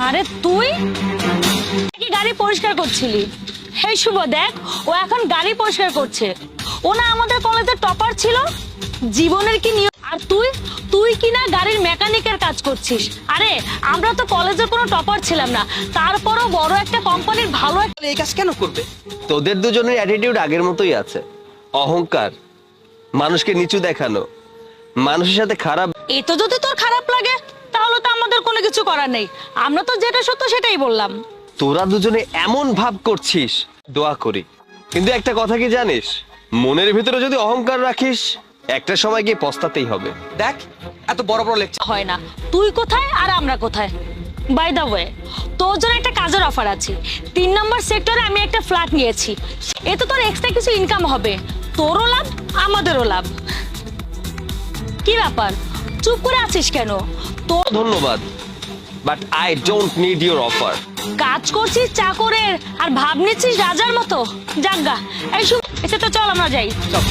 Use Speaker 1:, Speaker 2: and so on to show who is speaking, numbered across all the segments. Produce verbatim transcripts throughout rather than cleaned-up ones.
Speaker 1: আরে তুই কি গাড়ি পরিষ্কার করছিলি? এই শুভ দেখ, ও এখন গাড়ি পরিষ্কার করছে। ও না আমাদের কলেজের টপার ছিল। জীবনের কি নিয়ম? আর তুই তুই কি না গাড়ির মেকানিকের কাজ করছিস? আরে আমরা তো কলেজের কোনো টপার ছিলাম না, তারপরও বড় একটা কোম্পানির ভালো একটা
Speaker 2: এই কাজ কেন করবে?
Speaker 3: তোদের দুজনের অ্যাটিটিউড আগের মতোই আছে। অহংকার, মানুষকে নিচু দেখানো, মানুষের সাথে খারাপ।
Speaker 1: এই তো যদি তোর খারাপ লাগে তাহলে তো আমাদের কোনো কিছু করার নেই। আমরা তো যেটা সত্য সেটাই বললাম।
Speaker 3: তোরা দুজনে এমন ভাব করছিস, দোয়া করি। কিন্তু একটা কথা কি জানিস, মনের ভিতরে যদি অহংকার রাখিস একটা সময় গিয়ে পস্তাতেই হবে।
Speaker 2: দেখ, এত বড় বড় লেকচার।
Speaker 1: হয় না। তুই কোথায় আর আমরা কোথায়? বাই দ্য ওয়ে, তোর জন্য একটা কাজের অফার আছে। তিন নম্বর সেক্টরে আমি একটা ফ্ল্যাট নিয়েছি। এতে তোর এক্সট্রা কিছু ইনকাম হবে, তোরও লাভ আমাদেরও লাভ। কি ব্যাপার, চুপ করে আছিস কেন? তোর
Speaker 3: ধন্যবাদ, but I don't need your offer.
Speaker 1: কাজ করছিস চাকরের আর ভাব নিচ্ছিস রাজার মতো। জাগা, এই শুভ, এসে তো চল আমরা যাই।
Speaker 2: চল।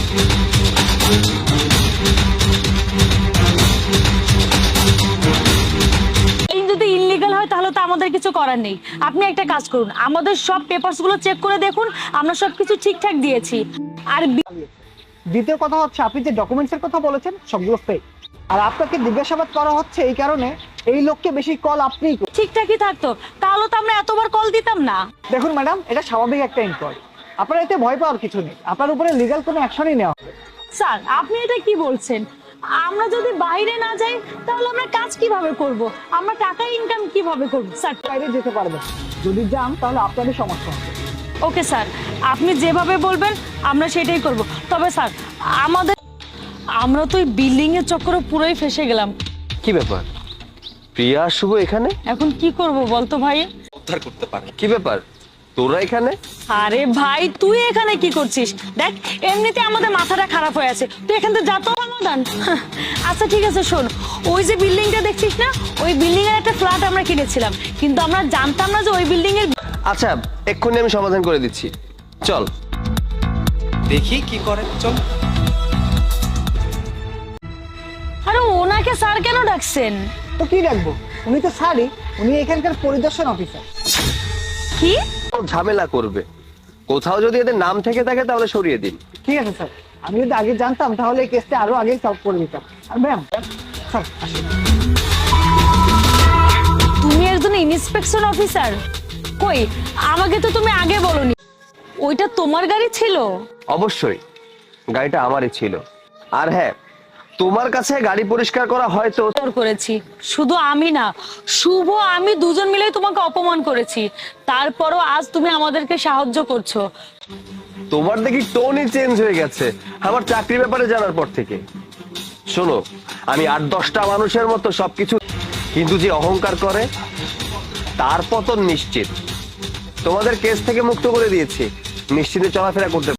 Speaker 1: এই যদি ইনলিগাল হয় তাহলে তো আমাদের কিছু করার নেই। আপনি একটা কাজ করুন, আমাদের সব পেপারস গুলো চেক করে দেখুন, আমরা সবকিছু ঠিকঠাক দিয়েছি। আর বি-
Speaker 4: দ্বিতীয় কথা হচ্ছে, আপনি যে ডকুমেন্টসের কথা বলেছেন সবগুলো ফেক। আর আপনাকে জিজ্ঞাসাবাদ করা হচ্ছে এই কারণে, এই লোককে বেশি কল আপনিই করছেন।
Speaker 1: ঠিকঠাকই থাকতো তাহলে তো আমরা এতবার কল দিতাম না।
Speaker 4: দেখুন ম্যাডাম, এটা স্বাভাবিক একটা ইনকোয়ারি। আপনার এতে ভয় পাওয়ার কিছু নেই, আপনার উপরে লিগ্যাল কোনো অ্যাকশনই নেওয়া হবে।
Speaker 1: স্যার আপনি এটা কি বলছেন? আমরা যদি বাইরে না যাই তাহলে আমরা কাজ কিভাবে করব? আমরা টাকা ইনকাম কিভাবে করব? স্যার
Speaker 4: বাইরে যেতে পারবেন, যদি যান তাহলে আপনারই সমস্যা হবে।
Speaker 1: ওকে স্যার, আপনি যেভাবে বলবেন আমরা সেটাই করব। তবে স্যার আমাদের, আমরা তো এই বিল্ডিং এর চক্করে পুরোই ফেসে গেলাম।
Speaker 3: কি ব্যাপার, প্রিয়া আর শুভ এখানে?
Speaker 1: এখন কি করব বলতো ভাই?
Speaker 2: উদ্ধার করতে পারে।
Speaker 3: কি ব্যাপার, তোরা এখানে?
Speaker 1: আরে ভাই তুই এখানে কি করছিস? দেখ এমনিতে আমাদের মাথাটা খারাপ হয়ে আছে, তুই এখান থেকে যা তো সমাধান। আচ্ছা ঠিক আছে শোন, ওই যে বিল্ডিংটা দেখছিস না, ওই বিল্ডিং এর একটা ফ্ল্যাট আমরা কিনেছিলাম, কিন্তু আমরা জানতাম না যে ওই বিল্ডিং এর।
Speaker 3: আচ্ছা, এক্ষুনি আমি সমাধান করে দিচ্ছি, চল।
Speaker 2: দেখি কি করে, চল।
Speaker 1: আরে ওনাকে স্যার কেন ডাকছেন?
Speaker 4: তো কি রাখবো, উনি তো স্যারই, উনি এখানকার পরিদর্শন অফিসার।
Speaker 1: কি
Speaker 3: ঝামেলা করবে, কোথাও যদি এদের নাম থেকে থাকে তাহলে সরিয়ে দিন।
Speaker 4: ঠিক আছে স্যার, আমি যদি আগে জানতাম তাহলে এই কেসটা আরো আগে সলভ করে দিতাম। আর ম্যাম স্যার আসুন।
Speaker 1: তুমি একজন ইন্সপেকশন অফিসার? কই, আমাকে তো তুমি আগে বলনি। ওইটা তোমার গাড়ি ছিল?
Speaker 3: অবশ্যই, গাড়িটা আমারই ছিল। আর হ্যাঁ, তোমার কাছে গাড়ি পরিষ্কার করা হয়তো।
Speaker 1: তোর করেছি, শুধু আমি না, শুভ আমি দুজন মিলে তোমাকে অপমান করেছি, তারপরও আজ তুমি আমাদেরকে সাহায্য করছো।
Speaker 3: তোমার দেখি টোনই চেঞ্জ হয়ে গেছে আমার চাকরির ব্যাপারে জানার পর থেকে। শোনো, আমি আট দশটা মানুষের মতো সবকিছু, কিন্তু যে অহংকার করে তার পতন নিশ্চিত। তোমাদের কেস থেকে মুক্ত করে দিয়েছি, নিশ্চিন্তে চলাফেরা করতে।